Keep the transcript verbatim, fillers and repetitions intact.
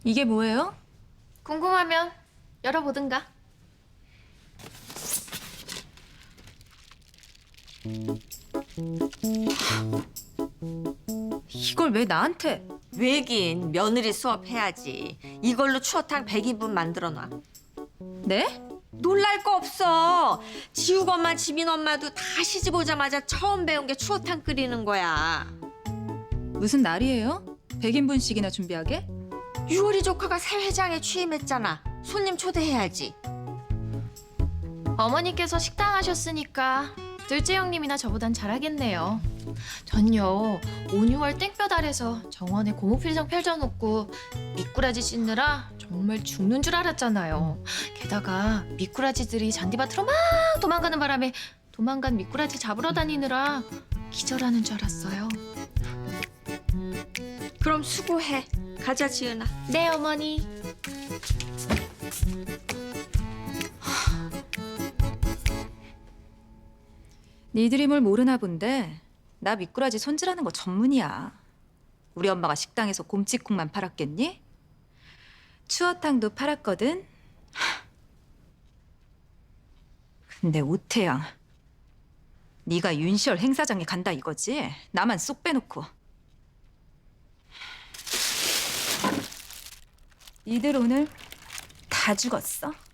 이게 뭐예요? 궁금하면 열어보든가. 이걸 왜 나한테? 왜긴 며느리 수업 해야지. 이걸로 추어탕 백 인분 만들어놔. 네? 놀랄 거 없어. 지욱 엄마, 지민 엄마도 다 시집 오자마자 처음 배운 게 추어탕 끓이는 거야. 무슨 날이에요? 백 인분씩이나 준비하게? 유월이 조카가 새 회장에 취임했잖아. 손님 초대해야지. 어머니께서 식당 하셨으니까 둘째 형님이나 저보단 잘하겠네요. 전요 오, 유월 땡볕 아래서 정원에 고무필장 펼쳐놓고 미꾸라지 씻느라 정말 죽는 줄 알았잖아요. 게다가 미꾸라지들이 잔디밭으로 막 도망가는 바람에 도망간 미꾸라지 잡으러 다니느라 기절하는 줄 알았어요. 그럼 수고해. 가자, 지은아. 네, 어머니. 니들이 뭘 모르나 본데 나 미꾸라지 손질하는 거 전문이야. 우리 엄마가 식당에서 곰치국만 팔았겠니? 추어탕도 팔았거든. 하. 근데 오태양, 네가 윤시열 행사장에 간다 이거지? 나만 쏙 빼놓고. 니들 오늘 다 죽었어.